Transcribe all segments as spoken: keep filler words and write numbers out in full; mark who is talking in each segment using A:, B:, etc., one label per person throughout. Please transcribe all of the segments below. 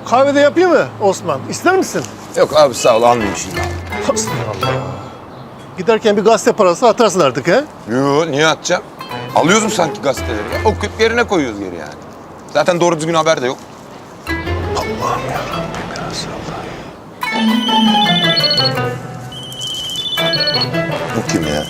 A: Kahvede yapayım mı Osman? İster misin?
B: Yok abi sağ ol almayayım şimdi.
A: Allah. Giderken bir gazete parası atarsın artık he?
B: Yo niye atacağım? Alıyoruz mu sanki gazeteleri ya? Okuyup yerine koyuyoruz geri yani. Zaten doğru düzgün haber de yok.
A: Allah'ım yarabbim ya Resulallah.
B: Bu kim ya?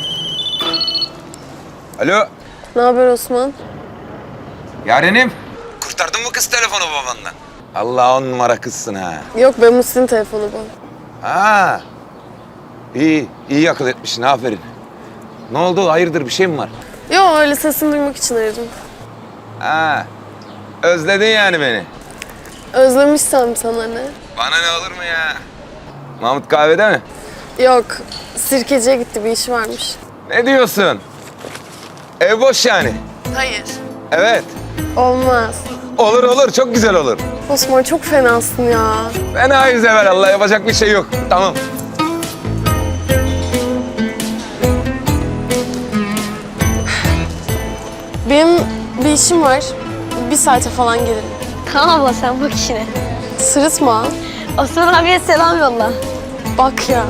B: Alo.
C: Ne haber Osman?
B: Yarenim. Kurtardın mı kız telefonu babandan? Allah on numara kızsın ha.
C: Yok be Muhsin'in telefonu bu.
B: Ha. İyi, iyi akıl etmişsin aferin. Ne oldu? Hayırdır bir şey mi var?
C: Yok öyle sesini duymak için aradım.
B: Ha. Özledin yani beni.
C: Özlemişsem sana ne?
B: Bana ne olur mu ya? Mahmut kahvede mi?
C: Yok sirkeciye gitti bir işi varmış.
B: Ne diyorsun? Ev boş yani.
C: Hayır.
B: Evet.
C: Olmaz.
B: Olur olur çok güzel olur.
C: Osman çok fenasın ya.
B: Fenayız evvelallah yapacak bir şey yok. Tamam.
C: Benim bir işim var. Bir saate falan gelirim.
D: Tamam abla sen bak işine.
C: Sırıtma.
D: Osman abiye selam yolla.
C: Bak ya.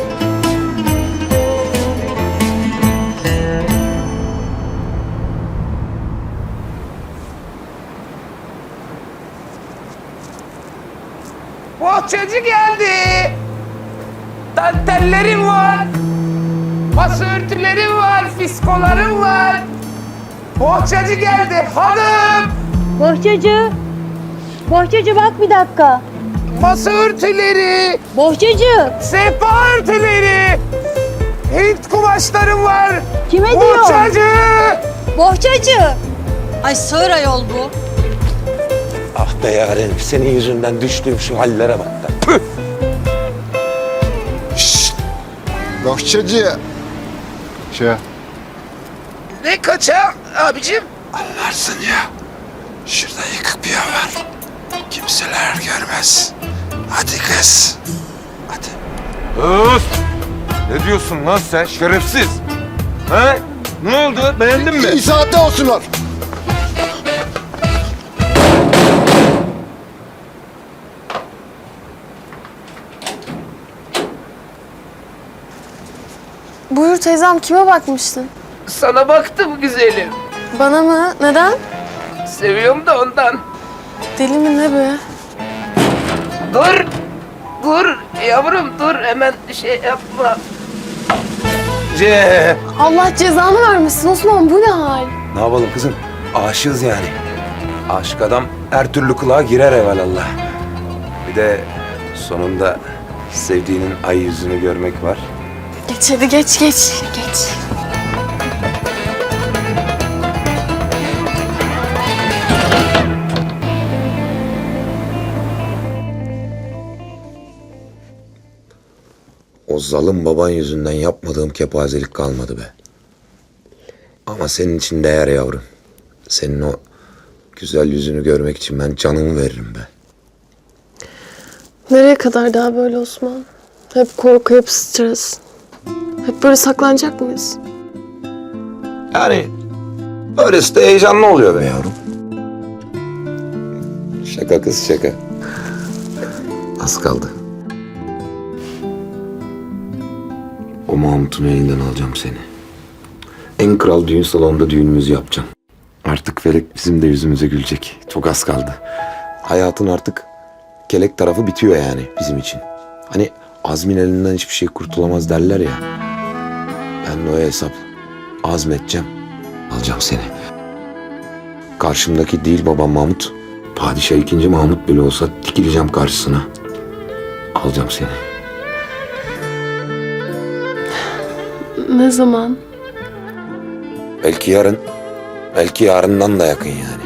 E: Bohçacı geldi. Dantellerim var. Masa örtülerim var, fiskolarım var. Bohçacı geldi hanım.
D: Bohçacı. Bohçacı bak bir dakika.
E: Masa örtüleri,
D: Bohçacı.
E: sehpa örtüleri. Hint kumaşlarım var.
D: Kime diyor?
E: Bohçacı.
D: Bohçacı. Ay sığır ayol bu.
B: Ah be yarenim senin yüzünden düştüğüm şu hallere bak da. Püh!
F: Bohçacı. Şey.
E: Ne kaça abicim?
B: Anlarsın ya. Şurada yıkık bir yer var. Kimseler görmez. Hadi kız. Hadi. Öf! Ne diyorsun lan sen şerefsiz? Ha? Ne oldu? Beğendin mi?
F: İyi saatte olsunlar.
C: Buyur teyzem kime bakmıştın?
E: Sana baktım güzelim.
C: Bana mı? Neden?
E: Seviyorum da ondan.
C: Deli mi ne be?
E: Dur. Dur yavrum dur hemen şey yapma.
B: Ce.
C: Allah cezanı vermesin Osman bu ne hal?
B: Ne yapalım kızım? Aşığız yani. Aşık adam her türlü kulağa girer evvelallah. Bir de sonunda sevdiğinin ay yüzünü görmek var.
C: Geç hadi geç geç geç.
B: O zalim baban yüzünden yapmadığım kepazelik kalmadı be. Ama senin için değer yavrum. Senin o güzel yüzünü görmek için ben canımı veririm be.
C: Nereye kadar daha böyle Osman? Hep korku, hep stres. Hep böyle saklanacak mıyız?
B: Yani öylesi de heyecanlı oluyor be yavrum. Şaka kız şaka. Az kaldı. O Mahmut'un elinden alacağım seni. En kral düğün salonunda düğünümüzü yapacağım. Artık Felek bizim de yüzümüze gülecek. Çok az kaldı. Hayatın artık kelek tarafı bitiyor yani bizim için. Hani Azmin elinden hiçbir şey kurtulamaz derler ya. Ben de o hesap azmedeceğim. Alacağım seni. Karşımdaki değil babam Mahmut. Padişah ikinci Mahmut bile olsa dikileceğim karşısına. Alacağım seni.
C: Ne zaman?
B: Belki yarın, belki yarından da yakın yani.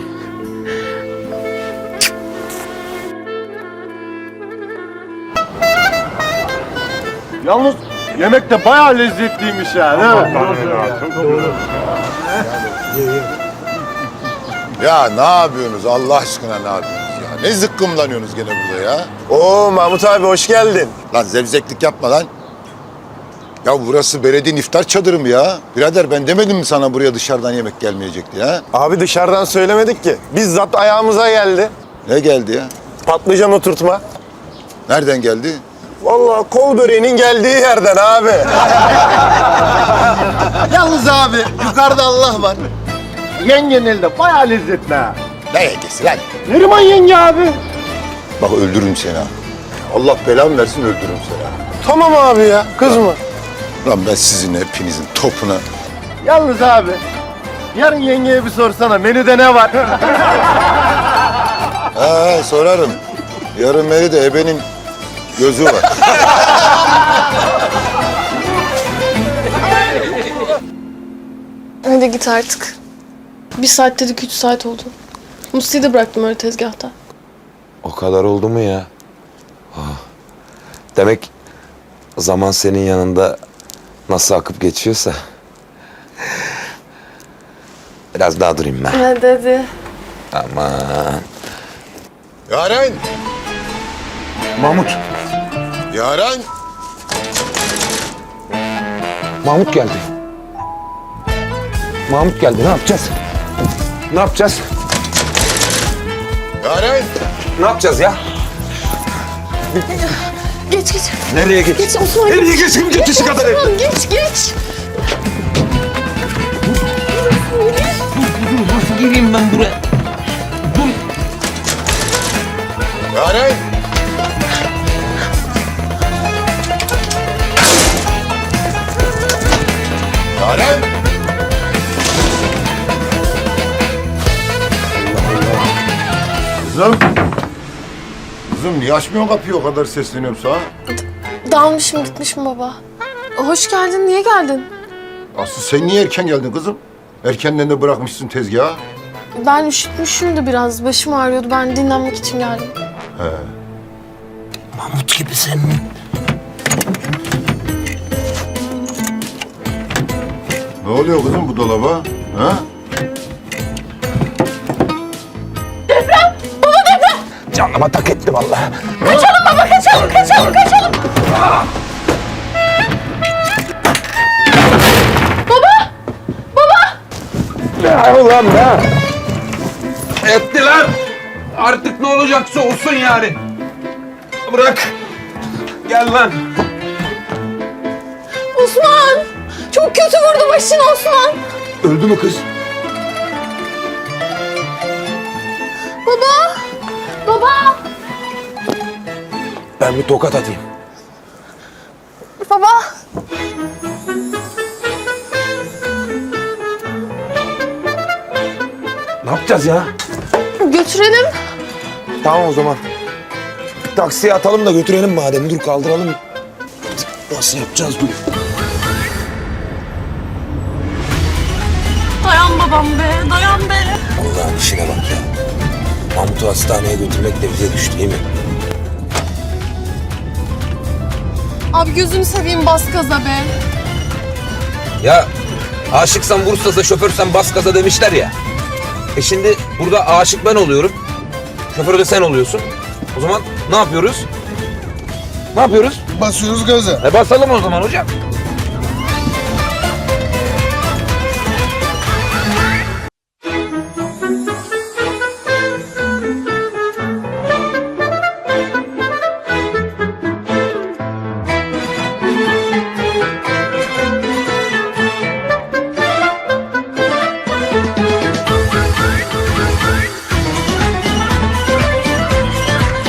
A: Yalnız yemek de bayağı lezzetliymiş yani.
F: Ya ne yapıyorsunuz Allah aşkına ne yapıyorsunuz ya? Ne zıkkımlanıyorsunuz gene burada ya?
G: Oo Mahmut abi hoş geldin.
F: Lan zevzeklik yapma lan. Ya burası belediyenin iftar çadırı mı ya? Birader ben demedim mi sana buraya dışarıdan yemek gelmeyecek diye ha?
G: Abi dışarıdan söylemedik ki. Bizzat ayağımıza geldi.
F: Ne geldi ya?
G: Patlıcan oturtma.
F: Nereden geldi?
G: Vallahi kol böreğinin geldiği yerden abi.
A: Yalnız abi yukarıda Allah var. Yengenin elde bayağı lezzetli ha.
F: Ne yengesi lan?
A: Neriman yenge abi.
F: Bak öldürürüm seni ha. Allah belamı versin öldürürüm seni ha.
A: Tamam abi ya kızma.
F: Lan ben sizin hepinizin topuna...
A: Yalnız abi yarın yengeye bir sorsana menüde ne var?
F: Ha sorarım. Yarın beri de ebenin gözü var.
C: Hadi git artık. Bir saat dedik üç saat oldu. Musti'yi de bıraktım öyle tezgahta.
B: O kadar oldu mu ya? Ah. Demek zaman senin yanında nasıl akıp geçiyorsa. Biraz daha durayım ben.
C: Hadi hadi.
B: Aman.
F: Yaren!
B: Mahmut.
F: Yaren!
B: Mahmut geldi. Mahmut geldi. Ne yapacağız? Ne yapacağız?
F: Yaren!
B: Ne yapacağız ya?
C: Geç geç.
B: Nereye geç?
C: Geç Osman.
B: Nereye geçeyim? Geçişi kadar ev.
C: Osman geç geç.
B: Nasıl gireyim ben buraya?
F: Yaren! Yaren! Kızım! Kızım niye açmıyorsun kapıyı o kadar sesleniyorum sana?
C: Dalmışım gitmişim baba. Hoş geldin. Niye geldin?
F: Aslı sen niye erken geldin kızım? Erkenden de bırakmışsın tezgahı.
C: Ben üşütmüşüm de biraz. Başım ağrıyordu. Ben dinlenmek için geldim.
B: Mahmut gibi sen.
F: Ne oluyor kızım bu dolaba? Ha?
B: Canıma tak etti vallahi. Ne ulan be? Etti lan. Artık ne olacaksa olsun yani. Bırak. Gel lan.
C: Osman! Çok kötü vurdu başını Osman.
B: Öldü mü kız?
C: Baba! Baba!
B: Ben bir tokat atayım.
C: Baba!
B: Ne yapacağız ya?
C: Götürelim.
B: Tamam o zaman. Taksiye atalım da götürelim madem. Dur kaldıralım. Nasıl yapacağız dur.
C: Dayan babam be, dayan be.
B: Allah'ın işine bak ya. Mahmut'u hastaneye götürmek de bize düştü değil mi?
C: Abi gözünü seveyim bas gaza be.
H: Ya aşıksan Bursa'da şoförsen bas gaza demişler ya. E şimdi burada aşık ben oluyorum. Şoför de sen oluyorsun. O zaman ne yapıyoruz? Ne yapıyoruz?
F: Basıyoruz gaza.
H: E basalım o zaman hocam.